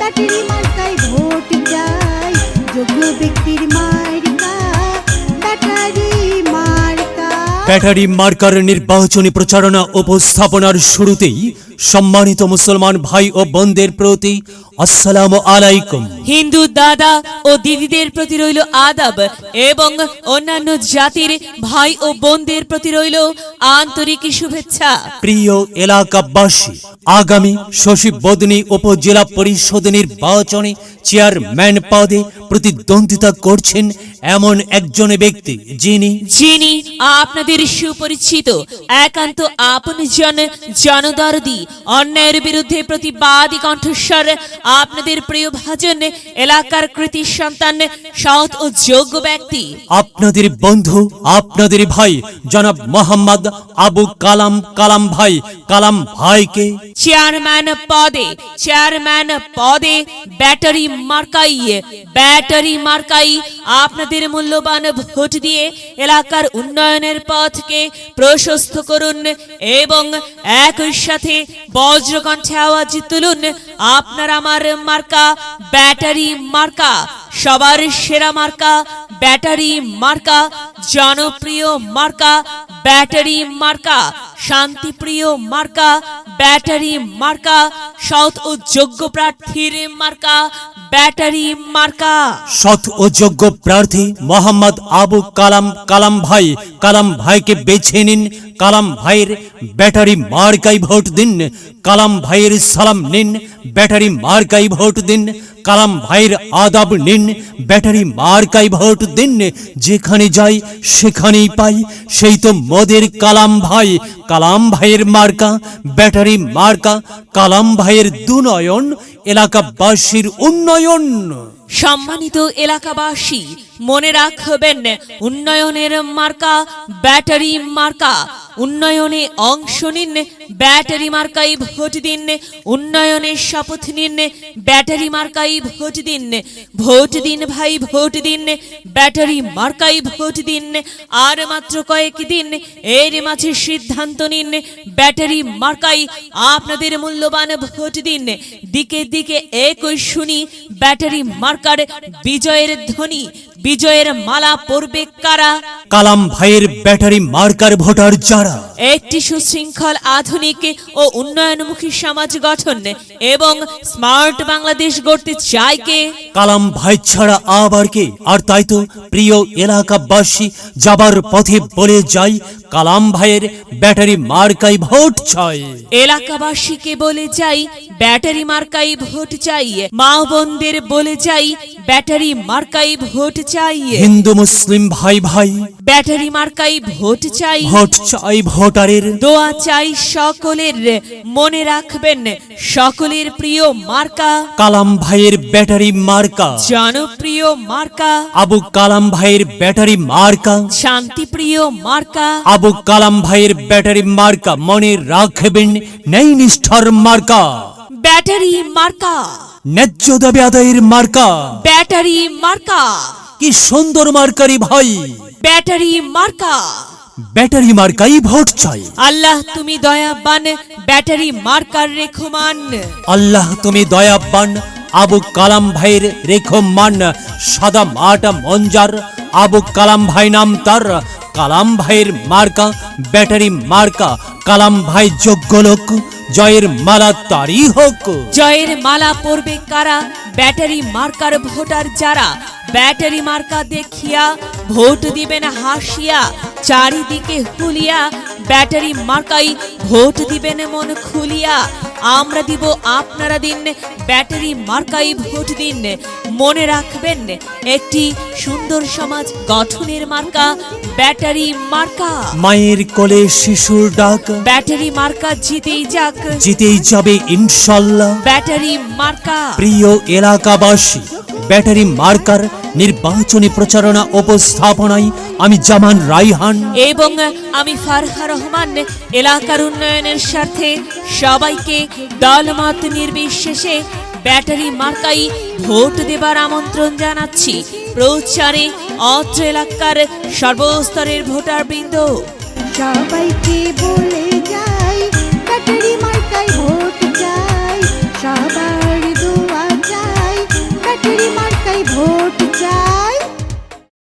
Battery মার্কায় vote চাই, যোগ্য ব্যক্তির মার্কা ব্যাটারি মার্কা। ব্যাটারি মার্কার নির্বাচনী প্রচারণা উপস্থাপনার শুরুতেই সম্মানিত মুসলমান ভাই ও বোনদের প্রতি আসসালামু আলাইকুম। হিন্দু দাদা ও দিদিদের প্রতি রইল আদাব এবং অন্যান্য জাতির ভাই ও বোনদের প্রতি রইল আন্তরিক শুভেচ্ছা। প্রিয় এলাকাবাসী, আগামী শশীবদনী উপজেলা পরিষদ নির্বাচনে চেয়ারম্যান পদে প্রতিদ্বন্দ্বিতা করছেন এমন একজন ব্যক্তি যিনি আপনাদের সুপরিচিত, একান্ত আপনজন, জনদরদি, অন্যায়ের বিরুদ্ধে প্রতিবাদী কণ্ঠস্বর, আপনাদের প্রিয় ভাজন, এলাকার কৃতি সন্তান, সৎ ও যোগ্য ব্যক্তি, আপনাদের বন্ধু, আপনাদের ভাই জনাব মোহাম্মদ আবু কালাম ভাইকে চেয়ারম্যান পদে ব্যাটারি মার্কাই আপনাদের মূল্যবান ভোট দিয়ে এলাকার উন্নয়নের পথকে প্রশস্ত করুন এবং একই সাথে বজ্রকণ্ঠে আওয়াজ তুলুন, আপনার আমার মার্কা ব্যাটারি মার্কা, সবার সেরা মার্কা ব্যাটারি মার্কা, জনপ্রিয় মার্কা ব্যাটারি মার্কা, শান্তিপ্রিয় মার্কা ব্যাটারি মার্কা, সৎ ও যোগ্য প্রার্থীর মার্কা ব্যাটারি মার্কা। সৎ ও যোগ্য প্রার্থী মোহাম্মদ আবু কালাম ভাইকে বেছে নিন। কালাম ভাইয়ের ব্যাটারি মার্কাই ভোট দিন। কালাম ভাইয়ের সালাম নিন, ব্যাটারি মার্কাই ভোট দিন। কালাম ভাইয়ের আদাব নিন, ব্যাটারি মার্কাই ভোট দিন। যেখানে যাই সেখানেই পাই সেই তো মোদের কালাম ভাইয়ের মার্কা ব্যাটারি মার্কা। কালাম ভাইয়ের দুনয়ন, এলাকাবাসীর উন্নয়ন। সম্মানিত এলাকাবাসী, মনে রাখবেন, উন্নয়নের মার্কা ব্যাটারি মার্কা। উন্নয়নে অংশ নিন, ব্যাটারি মার্কাই ভোট দিন। উন্নয়নের শপথ নিন, ব্যাটারি মার্কাই ভোট দিন। ভোট দিন ভাই, ভোট দিন, ব্যাটারি মার্কাই ভোট দিন। আর মাত্র কয়েকদিন, এর মাঝে সিদ্ধান্ত নিন, ব্যাটারি মার্কাই আপনাদের মূল্যবান ভোট দিন। দিকে দিকে একই শুনি ব্যাটারি মার্কার বিজয়ের ধ্বনি। বিজয়ের মালা পরবে কারা? কালাম ভাইয়ের ব্যাটারি মার্কার ভোটার যারা একটি সুশৃঙ্খল, আধুনিক ও উন্নয়নমুখী সমাজ গঠন এবং স্মার্ট বাংলাদেশ গড়তে চায় কে? কালাম ভাই ছাড়া আবার কে? আর তাই তো প্রিয় এলাকাবাসী, যাবার পথে বলে যাই, কালাম ভাইয়ের ব্যাটারি মার্কাই ভোট চাই। এলাকাবাসীকে বলে যাই, ব্যাটারি মার্কাই ভোট চাই। মা বোনদের বলে যাই, ব্যাটারি মার্কাই ভোট চাই। হিন্দু মুসলিম ভাই ব্যাটারি মার্কাই ভোট চাই। ভোট চাই ভোটারের, দোয়া চাই সকলের। মনে রাখবেন, সকলের প্রিয় মার্কা কালাম ভাইয়ের ব্যাটারি মার্কা, জনপ্রিয় মার্কা আবু কালাম ভাইয়ের ব্যাটারি মার্কা, শান্তিপ্রিয় মার্কা আবু কালাম ভাইয়ের ব্যাটারি মার্কা। মনে রাখবেন, ন্যায় নিষ্ঠার মার্কা ব্যাটারি মার্কা, ন্যায্য দাবি আদায়ের মার্কা। ব্যাটারি মার্কা, কি সুন্দর মার্কারি ভাই, ব্যাটারি মার্কা। ব্যাটারি মার্কাই ভোট চাই। আল্লাহ তুমি দয়াবান, ব্যাটারি মার্কার রেখমান। আল্লাহ তুমি দয়াবান, আবু কালাম ভাইয়ের রেখমান। সাদা মাটা মঞ্জার, আবু কালাম ভাই নাম তার। কালাম ভাইয়ের মার্কা ব্যাটারি মার্কা। কালাম ভাই যোগ্য লোক, জয়ের মালা তারই হোক। জয়ের মালা পরবে কারা? ব্যাটারি মার্কার ভোটার যারা। ব্যাটারি মার্কা দেখিয়া ভোট দিবেন হাসিয়া, চারিদিকে হুলিয়া। ব্যাটারি মার্কাই ভোট দিবেন মন খুলিয়া। আমরা দিব, আপনারা দিন, ব্যাটারি মার্কাই ভোট দিন। মনে রাখবেন, একটি সুন্দর সমাজ গঠনের মার্কা ব্যাটারি মার্কা। মায়ের কোলে শিশুর ডাক, ব্যাটারি মার্কা জিতেই যাক, জিতেই যাবে ইনশাল্লাহ। ব্যাটারি মার্কা। প্রিয় এলাকাবাসী, ব্যাটারি মার্কার নির্বাচনী প্রচারণা উপস্থাপনায় আমি জামান রাইহান এবং আমি ফারহা রহমান এলাকার উন্নয়নের স্বার্থে সবাইকে দলমত নির্বিশেষে ব্যাটারি মার্কাই ভোট দেবার আমন্ত্রণ জানাচ্ছি। প্রচারে অত্র এলাকার সর্বস্তরের ভোটারবৃন্দ সবাইকে বলে যাই, ব্যাটারি মার্কায় ভোট চাই, সবার দোয়া চাই। মার্কাই ভোট চাই।